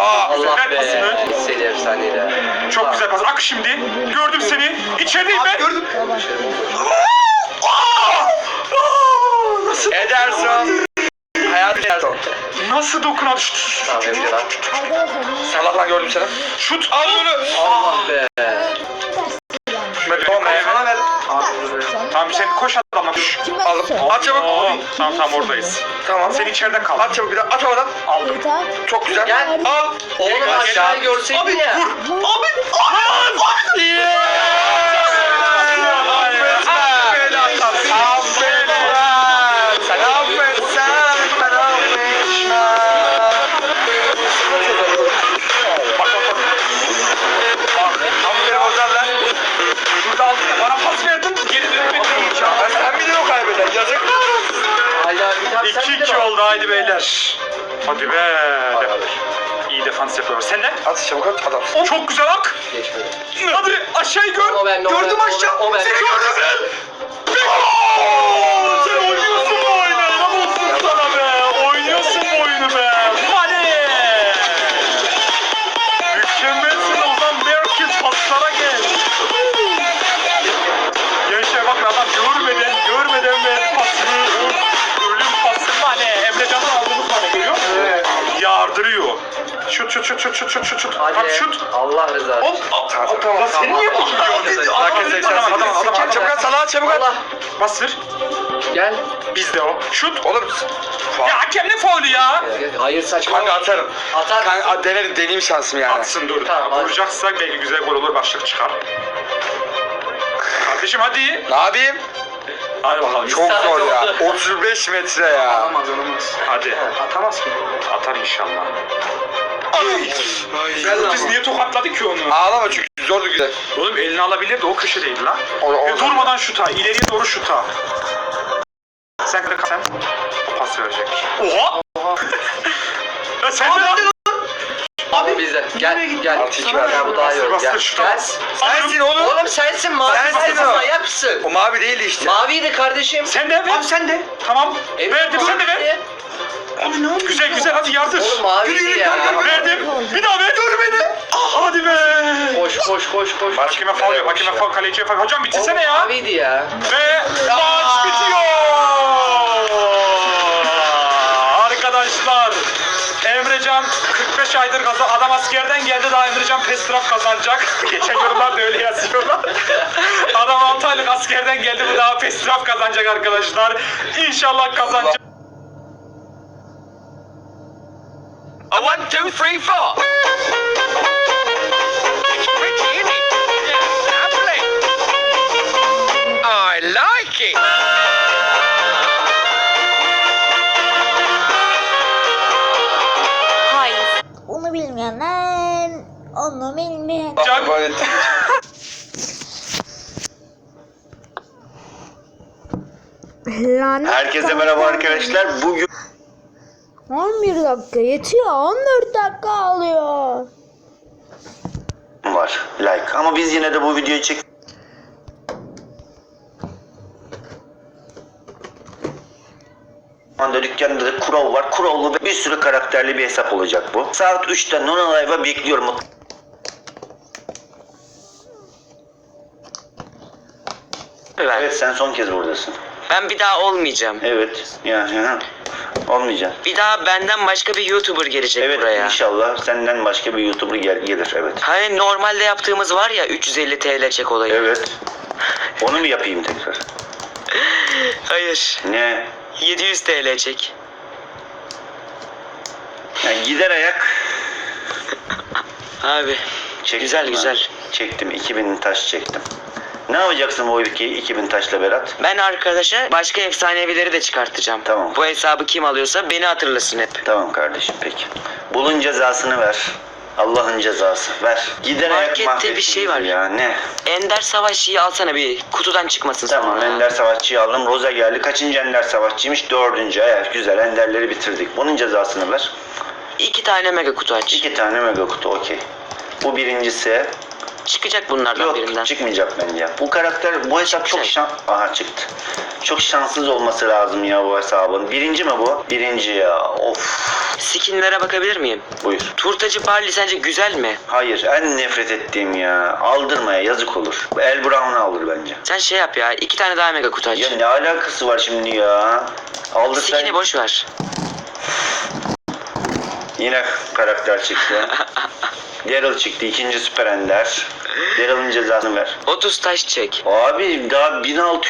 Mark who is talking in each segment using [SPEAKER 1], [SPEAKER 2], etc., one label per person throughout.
[SPEAKER 1] Allah
[SPEAKER 2] Ver
[SPEAKER 1] be.
[SPEAKER 2] pasını.
[SPEAKER 1] Seni efsaneyle.
[SPEAKER 2] Çok güzel pas. Ak şimdi. Gördüm seni. İçerideyim ben.
[SPEAKER 3] Gördüm.
[SPEAKER 2] Nasıl?
[SPEAKER 3] Ederson. Hayat Ederson.
[SPEAKER 2] Nasıl dokunadı?
[SPEAKER 1] Tamam Emre lan.
[SPEAKER 3] Salah'la gördüm seni.
[SPEAKER 2] Şut. Al bunu.
[SPEAKER 1] Allah be.
[SPEAKER 3] Tamam sana ver.
[SPEAKER 2] Tamam sen koş adamla.
[SPEAKER 3] Aldım. At çabuk.
[SPEAKER 2] Tamam oradayız.
[SPEAKER 3] Tamam.
[SPEAKER 2] Sen içeride kal.
[SPEAKER 3] At çabuk bir daha. At havadan.
[SPEAKER 2] Aldım.
[SPEAKER 3] Çok güzel.
[SPEAKER 1] Gel.
[SPEAKER 3] Al.
[SPEAKER 1] Oğlum
[SPEAKER 2] Gel,
[SPEAKER 1] aşağıya
[SPEAKER 2] gel.
[SPEAKER 1] görseydin ya.
[SPEAKER 2] Bana pas verdin. Geri dönüp beni.
[SPEAKER 3] Sen bir de o kaybeder. Yazık.
[SPEAKER 1] Hala bir tane sen de
[SPEAKER 2] 2-2
[SPEAKER 1] mi?
[SPEAKER 2] oldu haydi beyler. Hadi be. İyi defans yapıyor. Sen de.
[SPEAKER 3] At çabuk at adam.
[SPEAKER 2] Çok güzel ak.
[SPEAKER 1] Geçmedi.
[SPEAKER 2] Hadi aşağıyı gör.
[SPEAKER 1] O ben, o
[SPEAKER 3] Gördüm
[SPEAKER 1] ben,
[SPEAKER 3] aşağı.
[SPEAKER 1] o ben.
[SPEAKER 2] Sen gördün. Oo, sen oynuyorsun bu oyunu. Helal olsun sana be. Oynuyorsun bu oyunu be. Hadi. Mükemmelsin Ozan Berkin. Paslara gel. Gençler bakın adam görmeden ver pasını. Ölüm pası. Hadi. Emrecan'dan aldığımız bana görüyor musun?
[SPEAKER 3] Evet.
[SPEAKER 2] Yardırıyor. Şut.
[SPEAKER 1] Hadi.
[SPEAKER 2] Bak şut.
[SPEAKER 1] Allah rızası için.
[SPEAKER 3] Tamam.
[SPEAKER 2] Lan sen niye bakıyorsun?
[SPEAKER 3] Adam çabuk at Salah'a çabuk at.
[SPEAKER 1] Allah.
[SPEAKER 2] Bastır.
[SPEAKER 1] Gel.
[SPEAKER 2] Bizde o. Şut.
[SPEAKER 3] Oğlum.
[SPEAKER 2] Ya hakem ne faulü ya?
[SPEAKER 1] Hayır saçma.
[SPEAKER 3] Kanka atarım.
[SPEAKER 1] Atar.
[SPEAKER 3] Kanka deneyim şansım yani.
[SPEAKER 2] Atsın dur.
[SPEAKER 1] Tamam, hadi.
[SPEAKER 2] Vuracaksak belki güzel gol olur, başlık çıkar. Kardeşim hadi.
[SPEAKER 3] Ne yapayım?
[SPEAKER 2] Hadi bakalım.
[SPEAKER 3] Çok zor ya. 35 metre ya.
[SPEAKER 2] Atamaz. Hadi.
[SPEAKER 1] Atamaz ki.
[SPEAKER 2] Atar inşallah.
[SPEAKER 1] Güzel
[SPEAKER 2] Biz
[SPEAKER 1] ama.
[SPEAKER 2] niye tokatladık ki onu?
[SPEAKER 3] Ağlama çünkü zordu güzel.
[SPEAKER 2] Oğlum elini alabilirdi, o köşedeydi lan.
[SPEAKER 3] O-
[SPEAKER 2] Durmadan şuta, ileriye doğru şuta. Sen. O pas verecek. Oha! Ya sen de lan.
[SPEAKER 1] Abi bizde. Gel.
[SPEAKER 3] Altı iki ver.
[SPEAKER 1] Ya bu daha iyi olur.
[SPEAKER 2] Bastır
[SPEAKER 1] Gel.
[SPEAKER 2] şuta.
[SPEAKER 1] Gel.
[SPEAKER 3] Sensin oğlum.
[SPEAKER 1] Oğlum sensin mavi.
[SPEAKER 3] Sensin o.
[SPEAKER 1] Manyapsın.
[SPEAKER 3] O mavi değildi işte.
[SPEAKER 1] Maviydi kardeşim.
[SPEAKER 2] Sen de ver.
[SPEAKER 3] Abi sen de.
[SPEAKER 2] Tamam.
[SPEAKER 1] Evet,
[SPEAKER 2] Verdim, sen de ver.
[SPEAKER 1] maviydi.
[SPEAKER 3] Abi ne oldu?
[SPEAKER 2] Güzel hadi yardır.
[SPEAKER 1] Oğlum maviydi ya.
[SPEAKER 2] Verdim. Bir daha ver. Dur beni. Hadi be.
[SPEAKER 1] Koş.
[SPEAKER 2] Hakime faul yok. Hakime faul, kaleciye faul. Hocam bitirsene
[SPEAKER 1] Oğlum
[SPEAKER 2] ya.
[SPEAKER 1] maviydi ya.
[SPEAKER 2] Ve maç bitiyor. Arkadaşlar. Emrecan 45 aydır adam askerden geldi, daha Emrecan Pestraf kazanacak. Geçen yorumlarda öyle yazıyorlar. Adam 6 aylık askerden geldi, bu daha Pestraf kazanacak arkadaşlar. İnşallah kazanacak.
[SPEAKER 4] A 1, 2, 3, 4. It's pretty, isn't it? Yeah, lovely. I like it.
[SPEAKER 5] Hayır. Onu bilmeyenler, onu bilmeyen.
[SPEAKER 2] Can-
[SPEAKER 3] Böyle-
[SPEAKER 5] Lanet
[SPEAKER 6] Herkese merhaba arkadaşlar. Bugün
[SPEAKER 5] 11 dakika yetiyor. 14 dakika alıyor.
[SPEAKER 6] var like ama biz yine de bu videoyu çek. Anda dükkanda da Kurov var. Kurovlu ve bir sürü karakterli bir hesap olacak bu. Saat 3'te Nona Live'a bekliyorum. Evet, sen son kez buradasın.
[SPEAKER 7] Ben bir daha olmayacağım.
[SPEAKER 6] Evet yani olmayacak.
[SPEAKER 7] Bir daha benden başka bir YouTuber gelecek
[SPEAKER 6] Evet
[SPEAKER 7] buraya.
[SPEAKER 6] inşallah senden başka bir YouTuber gelir evet.
[SPEAKER 7] Hani normalde yaptığımız var ya 350 TL çek olayı.
[SPEAKER 6] Evet. Onu mu yapayım tekrar?
[SPEAKER 7] Hayır.
[SPEAKER 6] Ne?
[SPEAKER 7] 700 TL çek.
[SPEAKER 6] Yani gider ayak
[SPEAKER 7] Abi.
[SPEAKER 6] çektim
[SPEAKER 7] Güzel,
[SPEAKER 6] ben.
[SPEAKER 7] güzel.
[SPEAKER 6] Çektim 2000 taş çektim. Ne yapacaksın bu 2000 taşla Berat?
[SPEAKER 7] Ben arkadaşa başka efsanevileri de çıkartacağım.
[SPEAKER 6] Tamam.
[SPEAKER 7] Bu hesabı kim alıyorsa beni hatırlasın hep.
[SPEAKER 6] Tamam kardeşim peki. Bulun cezasını ver. Allah'ın cezası ver. Gider ayak
[SPEAKER 7] Markette
[SPEAKER 6] mahvettin
[SPEAKER 7] bir şey var.
[SPEAKER 6] bizi ya ne?
[SPEAKER 7] Ender Savaşçı'yı alsana bir kutudan çıkmasın
[SPEAKER 6] Tamam
[SPEAKER 7] sonra.
[SPEAKER 6] Ender Savaşçı'yı aldım. Roza geldi. Kaçıncı Ender Savaşçıymış? 4. Evet güzel Enderleri bitirdik. Bunun cezasını ver.
[SPEAKER 7] 2 tane mega kutu aç.
[SPEAKER 6] 2 tane mega kutu okey. Bu birincisi.
[SPEAKER 7] Çıkacak bunlardan
[SPEAKER 6] Yok
[SPEAKER 7] birinden.
[SPEAKER 6] çıkmayacak bence. Bu karakter bu hesap çok
[SPEAKER 7] Çıkacak.
[SPEAKER 6] Aha çıktı. Çok şanssız olması lazım ya bu hesabın. Birinci mi bu? Birinci ya. Of.
[SPEAKER 7] Skinlere bakabilir miyim?
[SPEAKER 6] Buyur.
[SPEAKER 7] Turtacı Barley sence güzel mi?
[SPEAKER 6] Hayır, en nefret ettiğim ya. Aldırmaya yazık olur. El Brown'u alır bence.
[SPEAKER 7] Sen şey yap ya, 2 tane daha mega kutu aç.
[SPEAKER 6] Ya ne alakası var şimdi ya? Aldırsan
[SPEAKER 7] Skin'i boş ver.
[SPEAKER 6] yine karakter çıktı. Daryl çıktı, ikinci süper ender. Daryl'ın cezasını ver.
[SPEAKER 7] 30 taş çek.
[SPEAKER 6] Abi daha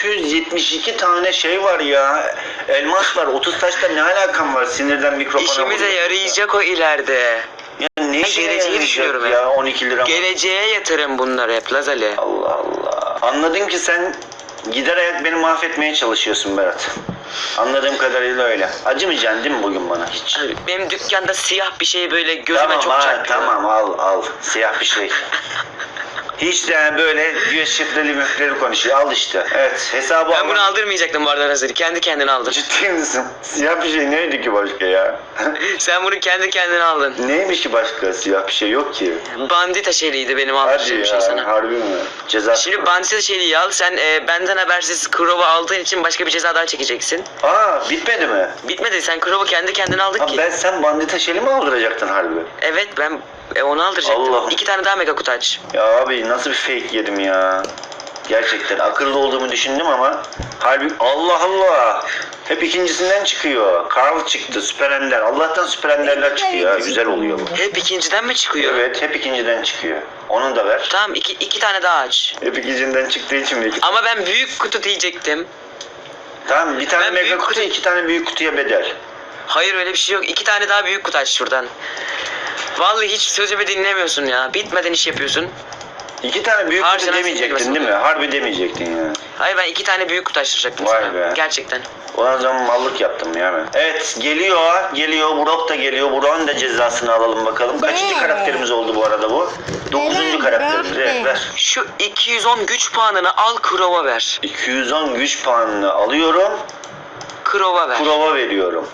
[SPEAKER 6] 1672 tane şey var ya. Elmas var. 30 taşta ne alakam var? Sinirden mikrofona
[SPEAKER 7] İşimize
[SPEAKER 6] vuruyor.
[SPEAKER 7] yarayacak o ileride.
[SPEAKER 6] Ya ne işe
[SPEAKER 7] geleceği
[SPEAKER 6] yarayacak
[SPEAKER 7] düşünüyorum
[SPEAKER 6] ya?
[SPEAKER 7] ya.
[SPEAKER 6] 12 lira.
[SPEAKER 7] Geleceğe yatırım bunlar hep Lazali.
[SPEAKER 6] Allah Allah. Anladım ki sen gider ayak beni mahvetmeye çalışıyorsun Berat. Anladığım kadarıyla öyle. Acımayacaksın değil mi bugün bana hiç?
[SPEAKER 7] Abi, benim dükkanda siyah bir şey böyle gözüme
[SPEAKER 6] Tamam
[SPEAKER 7] çok
[SPEAKER 6] ha,
[SPEAKER 7] çarpıyor.
[SPEAKER 6] tamam al siyah bir şey. Hiç de yani böyle göz şifreli müfreli konuşuyor. Al işte. Evet hesabı
[SPEAKER 7] Ben bunu
[SPEAKER 6] al.
[SPEAKER 7] aldırmayacaktım bu arada Lazali. Kendi kendine aldın.
[SPEAKER 6] Ciddi misin? Siyah bir şey neydi ki başka ya?
[SPEAKER 7] Sen bunu kendi kendine aldın.
[SPEAKER 6] Neymiş ki başka? Siyah bir şey yok ki.
[SPEAKER 7] Bandita şeyliydi benim
[SPEAKER 6] Hadi
[SPEAKER 7] aldığım
[SPEAKER 6] ya
[SPEAKER 7] şey sana.
[SPEAKER 6] harbi mi? Ceza.
[SPEAKER 7] Şimdi bandita şeyliği al. Sen benden habersiz Crow'u aldığın için başka bir ceza daha çekeceksin.
[SPEAKER 6] Aa bitmedi mi?
[SPEAKER 7] Bitmedi. Sen Crow'u kendi kendine aldık
[SPEAKER 6] Abi
[SPEAKER 7] ki.
[SPEAKER 6] sen bandita şeyli mi aldıracaktın harbi?
[SPEAKER 7] Evet ben onu aldıracaktım.
[SPEAKER 6] Allah.
[SPEAKER 7] 2 tane daha mega kutu aç.
[SPEAKER 6] Ya abi nasıl bir fake yedim ya. Gerçekten akıllı olduğumu düşündüm ama harbi Allah Allah. Hep ikincisinden çıkıyor. Carl çıktı, Süper Ender. Allah'tan Süper Ender'ler çıkıyor. Ha, güzel oluyor bu.
[SPEAKER 7] Hep ikinciden mi çıkıyor?
[SPEAKER 6] Evet, hep ikinciden çıkıyor. Onu da ver.
[SPEAKER 7] Tamam iki tane daha aç.
[SPEAKER 6] Hep ikinciden çıktığı için mi?
[SPEAKER 7] Ama ben büyük kutu diyecektim.
[SPEAKER 6] Tamam, bir tane
[SPEAKER 7] Ben
[SPEAKER 6] mega
[SPEAKER 7] büyük
[SPEAKER 6] kutu,
[SPEAKER 7] kutu-
[SPEAKER 6] 2 tane büyük kutuya bedel.
[SPEAKER 7] Hayır öyle bir şey yok. 2 tane daha büyük kutu aç şuradan. Vallahi hiç sözümü dinlemiyorsun ya. Bitmeden iş yapıyorsun.
[SPEAKER 6] 2 tane büyük
[SPEAKER 7] Harbi
[SPEAKER 6] kutu
[SPEAKER 7] sen
[SPEAKER 6] demeyecektin
[SPEAKER 7] sinirlensin.
[SPEAKER 6] değil mi? Harbi demeyecektin ya.
[SPEAKER 7] Hayır ben 2 tane büyük kutu açtıracaktım
[SPEAKER 6] Vay
[SPEAKER 7] sana.
[SPEAKER 6] be.
[SPEAKER 7] Gerçekten.
[SPEAKER 6] O zaman mallık yaptım ya ben. Evet, geliyor. Burak da geliyor. Burak'ın da cezasını alalım bakalım. Kaçıncı karakterimiz oldu bu arada bu? 9. karakterimiz. Evet, ver.
[SPEAKER 7] Şu 210 güç puanını al Crow'a ver.
[SPEAKER 6] 210 güç puanını alıyorum.
[SPEAKER 7] Crow'a ver.
[SPEAKER 6] Kurova veriyorum.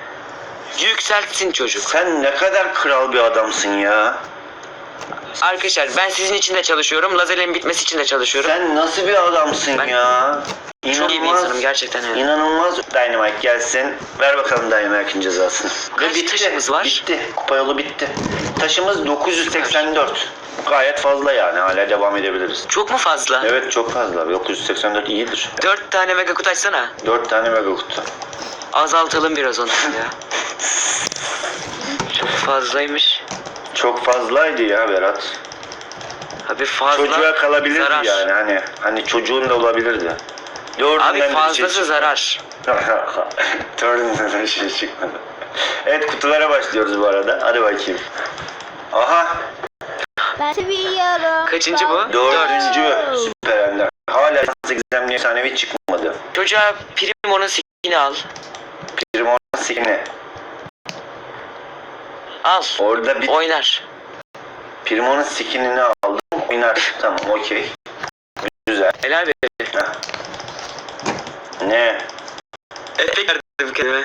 [SPEAKER 7] Yükseltsin çocuk.
[SPEAKER 6] Sen ne kadar kral bir adamsın ya.
[SPEAKER 7] Arkadaşlar ben sizin için de çalışıyorum. Lazerlerin bitmesi için de çalışıyorum.
[SPEAKER 6] Sen nasıl bir adamsın
[SPEAKER 7] Ben
[SPEAKER 6] ya.
[SPEAKER 7] Çok iyi bir insanım gerçekten yani.
[SPEAKER 6] İnanılmaz. Dynamite gelsin. Ver bakalım Dynamite'in cezasını.
[SPEAKER 7] Kaç taşımız var?
[SPEAKER 6] Bitti. Kupa yolu bitti. Taşımız 984. Gayet fazla yani. Hala devam edebiliriz.
[SPEAKER 7] Çok mu fazla?
[SPEAKER 6] Evet çok fazla. 984 iyidir.
[SPEAKER 7] 4 tane mega kutu açsana.
[SPEAKER 6] 4 tane mega kutu.
[SPEAKER 7] Azaltalım biraz onu ya. Çok fazlaymış.
[SPEAKER 6] Çok fazlaydı ya Berat.
[SPEAKER 7] Abi fazla.
[SPEAKER 6] Çocuğa kalabilirdi
[SPEAKER 7] zarar.
[SPEAKER 6] yani. Hani çocuğun da olabilirdi. Dördünden
[SPEAKER 7] Abi
[SPEAKER 6] de bir şey
[SPEAKER 7] fazlası
[SPEAKER 6] çıkmadı.
[SPEAKER 7] zarar.
[SPEAKER 6] Dördünden de bir şey çıkmadı. Evet kutulara başlıyoruz bu arada. Hadi bakayım. Aha
[SPEAKER 5] Ben seviyorum.
[SPEAKER 7] Kaçıncı bu?
[SPEAKER 6] 4. Süper Ender. Hala 8'den efsanevi çıkmadı.
[SPEAKER 7] Çocuğa Primo'nun skinini al.
[SPEAKER 6] Primo'nun skin'i.
[SPEAKER 7] Al.
[SPEAKER 6] Orada bir
[SPEAKER 7] Oynar.
[SPEAKER 6] Primo'nun skin'ini aldım. Oynar. Tamam okey. Güzel.
[SPEAKER 7] Helal be.
[SPEAKER 6] Heh. Ne?
[SPEAKER 7] Efekt verdim kendime.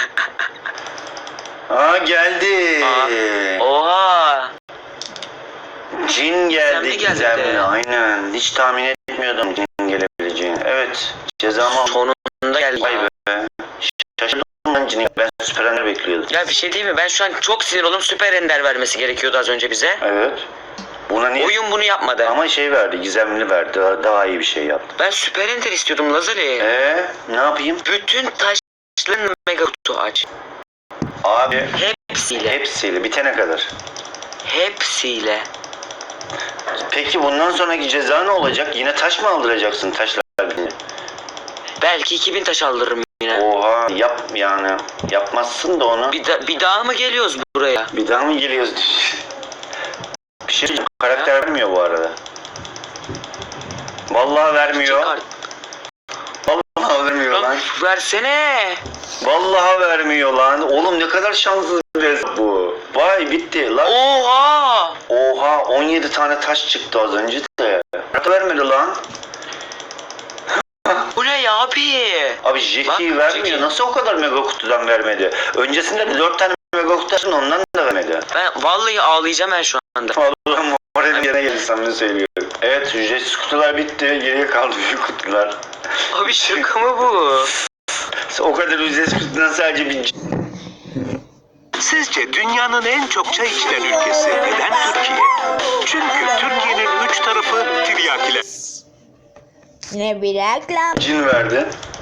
[SPEAKER 6] Aa geldi.
[SPEAKER 7] Oha.
[SPEAKER 6] Cin geldi
[SPEAKER 7] Gizemli geldi
[SPEAKER 6] gizemli.
[SPEAKER 7] de.
[SPEAKER 6] Aynen. Hiç tahmin etmiyordum cin gelebileceğini. Evet. Cezamı
[SPEAKER 7] Sonunda geldi.
[SPEAKER 6] Vay be. Şaşırdım ben cini. Ben Süper Ender bekliyordum.
[SPEAKER 7] Ya bir şey değil mi? Ben şu an çok sinir oldum. Süper Ender vermesi gerekiyordu az önce bize.
[SPEAKER 6] Evet. Buna niye?
[SPEAKER 7] Oyun bunu yapmadı.
[SPEAKER 6] Ama şey verdi, gizemli verdi. Daha iyi bir şey yaptı.
[SPEAKER 7] Ben Süper Ender istiyordum Lazali.
[SPEAKER 6] Ne yapayım?
[SPEAKER 7] Bütün taşların mega kutu aç.
[SPEAKER 6] Abi
[SPEAKER 7] Hepsiyle.
[SPEAKER 6] hepsiyle bitene kadar.
[SPEAKER 7] Hepsiyle.
[SPEAKER 6] Peki bundan sonraki ceza ne olacak? Yine taş mı aldıracaksın taşlar beni?
[SPEAKER 7] Belki 2000 taş aldırırım yine.
[SPEAKER 6] Oha yap yani. Yapmazsın da onu.
[SPEAKER 7] Bir daha mı geliyoruz buraya?
[SPEAKER 6] Bir daha mı geliyoruz? Bir şey diyeceğim, karakter vermiyor bu arada. Vallahi vermiyor.
[SPEAKER 7] Çıkar.
[SPEAKER 6] Vallahi vermiyor lan.
[SPEAKER 7] Lan versene.
[SPEAKER 6] Vallahi vermiyor lan. Oğlum ne kadar şanssız bir hesap bu. Vay bitti lan.
[SPEAKER 7] Oha.
[SPEAKER 6] Oha 17 tane taş çıktı az önce de. Ne vermedi lan?
[SPEAKER 7] Bu ne ya abi?
[SPEAKER 6] Abi Jackie
[SPEAKER 7] Bak,
[SPEAKER 6] vermiyor.
[SPEAKER 7] Jackie.
[SPEAKER 6] Nasıl o kadar mega kutudan vermedi? Öncesinde de 4 tane mega kutu açtın ondan da vermedi.
[SPEAKER 7] Ben vallahi ağlayacağım ben şu anda.
[SPEAKER 6] Allah'ım moralim yerine geldi samimi söylüyorum. Evet ücretsiz kutular bitti. Geriye kaldı büyük kutular.
[SPEAKER 7] Abi şaka mı bu?
[SPEAKER 6] O kadar ücretsiz kutudan sadece bir
[SPEAKER 8] Sizce dünyanın en çok çay içilen ülkesi neden Türkiye? Çünkü Türkiye'nin 3 tarafı tiryakiler.
[SPEAKER 5] Yine bir reklam.
[SPEAKER 6] Cin verdi.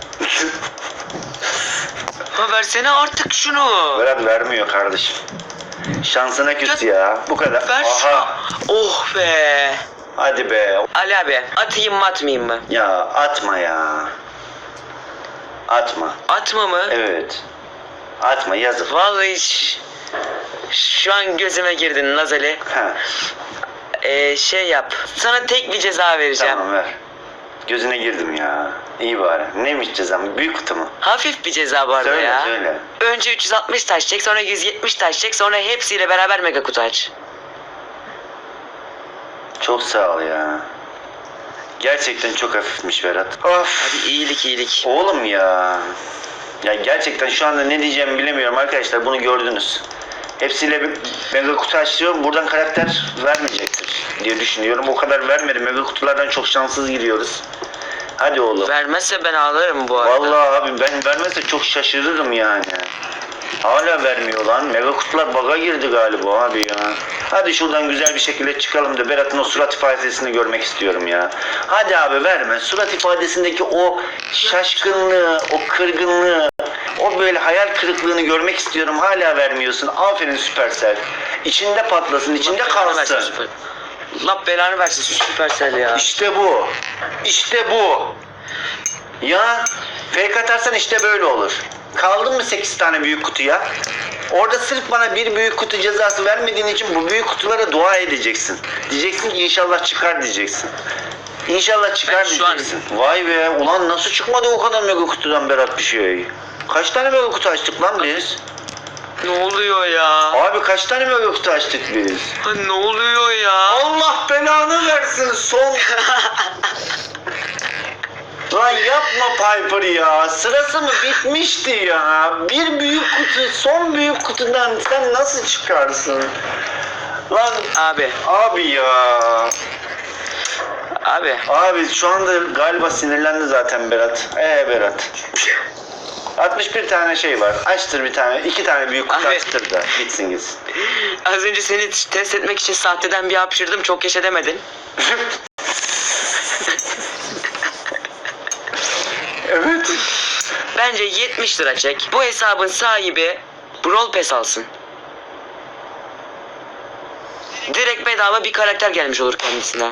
[SPEAKER 7] Ha versene artık şunu.
[SPEAKER 6] Berat vermiyor kardeşim. Şansına küs ya. Bu kadar.
[SPEAKER 7] Ver şunu. Oh be.
[SPEAKER 6] Hadi be.
[SPEAKER 7] Ali abi atayım mı atmayayım mı?
[SPEAKER 6] Ya atma ya. Atma.
[SPEAKER 7] Atma mı?
[SPEAKER 6] Evet. Atma yazık.
[SPEAKER 7] Vallahi şu an gözüme girdin Nazali.
[SPEAKER 6] Ha,
[SPEAKER 7] Şey yap. Sana tek bir ceza vereceğim.
[SPEAKER 6] tamam ver. Gözüne girdim ya. İyi bari. Neymiş cezam? Büyük kutu mu?
[SPEAKER 7] Hafif bir ceza bu arada
[SPEAKER 6] Söyle
[SPEAKER 7] ya.
[SPEAKER 6] söyle.
[SPEAKER 7] Önce 360 taş çek, sonra 170 taş çek, sonra hepsiyle beraber mega kutu aç.
[SPEAKER 6] Çok sağ ol ya. Gerçekten çok hafifmiş Berat. Of.
[SPEAKER 7] Hadi iyilik.
[SPEAKER 6] Oğlum ya. Ya gerçekten şu anda ne diyeceğimi bilemiyorum arkadaşlar. Bunu gördünüz. Hepsiyle bir mega kutu açıyorum. Buradan karakter vermeyecektir diye düşünüyorum. O kadar vermedi. Mega kutulardan çok şanssız giriyoruz. Hadi oğlum.
[SPEAKER 7] Vermezse ben ağlarım bu arada.
[SPEAKER 6] Vallahi abi ben vermezse çok şaşırırım yani. Hala vermiyor lan. Mega kutular bug'a girdi galiba abi ya. Hadi şuradan güzel bir şekilde çıkalım da Berat'ın o surat ifadesini görmek istiyorum ya. Hadi abi verme. Surat ifadesindeki o şaşkınlığı, o kırgınlığı, o böyle hayal kırıklığını görmek istiyorum. Hala vermiyorsun. Aferin Supercell. İçinde patlasın, içinde kalsın.
[SPEAKER 7] Allah belanı versin şu Supercell ya.
[SPEAKER 6] İşte bu. İşte bu. Ya fake atarsan işte böyle olur. Kaldın mı 8 tane büyük kutuya? Orada sırf bana bir büyük kutu cezası vermediğin için bu büyük kutulara dua edeceksin. Diyeceksin ki inşallah çıkar diyeceksin. İnşallah çıkar
[SPEAKER 7] Ben şu an-
[SPEAKER 6] diyeceksin. Vay be ulan nasıl çıkmadı o kadar mega kutudan Berat bir şey? Kaç tane mega kutu açtık lan biz?
[SPEAKER 7] Ne oluyor ya?
[SPEAKER 6] Abi kaç tane mega kutu açtık biz?
[SPEAKER 7] Ha, ne oluyor ya?
[SPEAKER 6] Allah belanı versin son. Lan yapma Piper ya. Sırası mı bitmişti ya? Bir büyük kutu, son büyük kutudan sen nasıl çıkarsın? Lan
[SPEAKER 7] Abi
[SPEAKER 6] ya.
[SPEAKER 7] abi.
[SPEAKER 6] Abi şu anda galiba sinirlendi zaten Berat. Berat. 61 tane şey var. Açtır bir tane. 2 tane büyük kutu
[SPEAKER 7] Abi.
[SPEAKER 6] açtır da bitsin gitsin.
[SPEAKER 7] Az önce seni test etmek için sahteden bir hapşırdım, çok yaşa demedin.
[SPEAKER 6] Evet.
[SPEAKER 7] Bence 70 lira çek. Bu hesabın sahibi Brawl Pass alsın. Direkt bedava bir karakter gelmiş olur kendisine.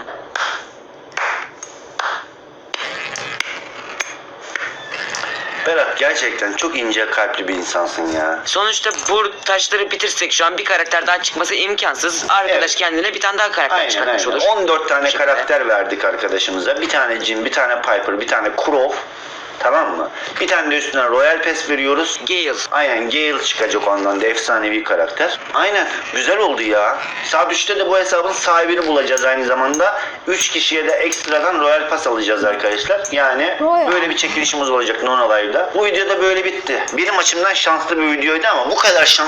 [SPEAKER 6] Berat gerçekten çok ince kalpli bir insansın ya.
[SPEAKER 7] Sonuçta bu taşları bitirsek şu an bir karakter daha çıkması imkansız. Arkadaş
[SPEAKER 6] Evet.
[SPEAKER 7] kendine bir tane daha karakter
[SPEAKER 6] Aynen
[SPEAKER 7] çıkartmış
[SPEAKER 6] aynen.
[SPEAKER 7] olur.
[SPEAKER 6] 14 tane
[SPEAKER 7] şekilde.
[SPEAKER 6] karakter verdik arkadaşımıza. Bir tane Jin, bir tane Piper, bir tane Crow. Tamam mı? Bir tane de üstüne Royal Pass veriyoruz.
[SPEAKER 7] Gale.
[SPEAKER 6] Aynen Gale çıkacak ondan da efsanevi karakter. Aynen güzel oldu ya. Saat 3'te de bu hesabın sahibini bulacağız aynı zamanda. 3 kişiye de ekstradan Royal Pass alacağız arkadaşlar. Yani
[SPEAKER 5] Royal.
[SPEAKER 6] böyle bir çekilişimiz olacak Nono Live'da. Bu video da böyle bitti. Benim açımdan şanslı bir videoydu ama bu kadar şanslı